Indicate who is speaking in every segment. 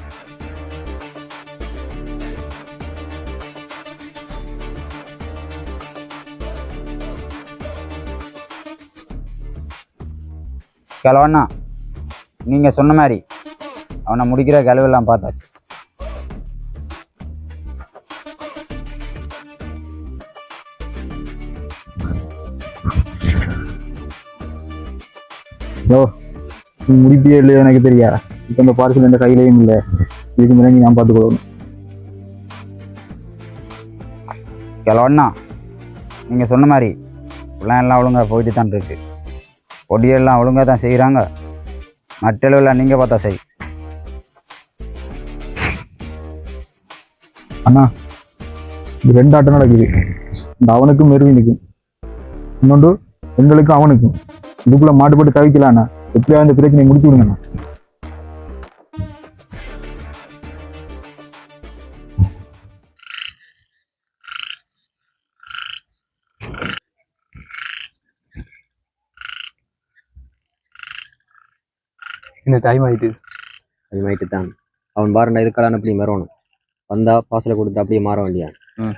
Speaker 1: கிழவண்ணா, நீங்கள் சொன்ன மாதிரி அவனை முடிக்கிற கிழவெல்லாம் பார்த்தாச்சு.
Speaker 2: யோ, நீ முடிப்பியே இல்லையோ எனக்கு தெரியா. இப்போ இந்த பார்சல் எந்த கையிலையும் இல்லை. இதுக்கு மேலே நீ நான் பார்த்துக்கொள்ளணும்.
Speaker 1: கிழவண்ணா, நீங்கள் சொன்ன மாதிரி எல்லாம் ஒழுங்காக போயிட்டு தான் இருக்கு. பொடியெல்லாம் ஒழுங்காக தான் செய்கிறாங்க. மற்றளவில் நீங்கள் பார்த்தா சரி.
Speaker 2: அண்ணா, இது 2 ஆட்டம் நடக்குது. இந்த அவனுக்கும் மெருவினுக்கும், இன்னொன்று எங்களுக்கும் அவனுக்கும். இதுக்குள்ள மாட்டுப்பட்டு தவிக்கலாண்ணா. எப்படியா இந்த பிரச்சனையை முடிச்சு விடுங்கண்ணா.
Speaker 3: இந்த டைம் ஆயிட்டு
Speaker 4: தான் அவன் பாருண்டா இதுக்கெல்லாம் அப்படி வரணும். வந்தா பாசலை கொடுத்து அப்படியே மாற வேண்டியா.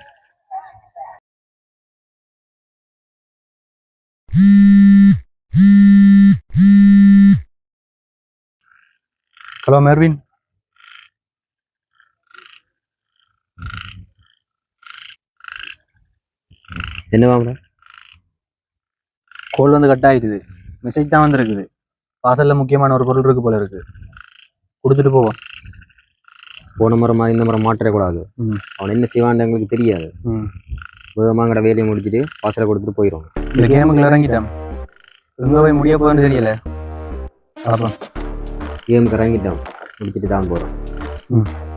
Speaker 3: ஹலோ மெர்வின்,
Speaker 4: என்ன வாங்க
Speaker 3: கோல் வந்து கட் ஆயிடுது. மெசேஜ் தான் வந்துருக்குது. பார்சல்ல முக்கியமான ஒரு பொருள் இருக்கு போல இருக்கு. கொடுத்துட்டு போவோம்.
Speaker 4: போன முறை மாதிரி இந்த முறை மாற்றக்கூடாது. அவன் என்ன செய்வான்னு எங்களுக்கு தெரியாது. வேகமாங்கட வேலையை முடிச்சுட்டு பாசலை கொடுத்துட்டு போயிடும்.
Speaker 3: இந்த கேமுக்குள்ள இறங்கிட்டான். எங்க போய் முடிய போகுதுன்னு தெரியல.
Speaker 4: கேமுக்கு இறங்கிட்டோம், முடிச்சுட்டு தான் போகிறோம்.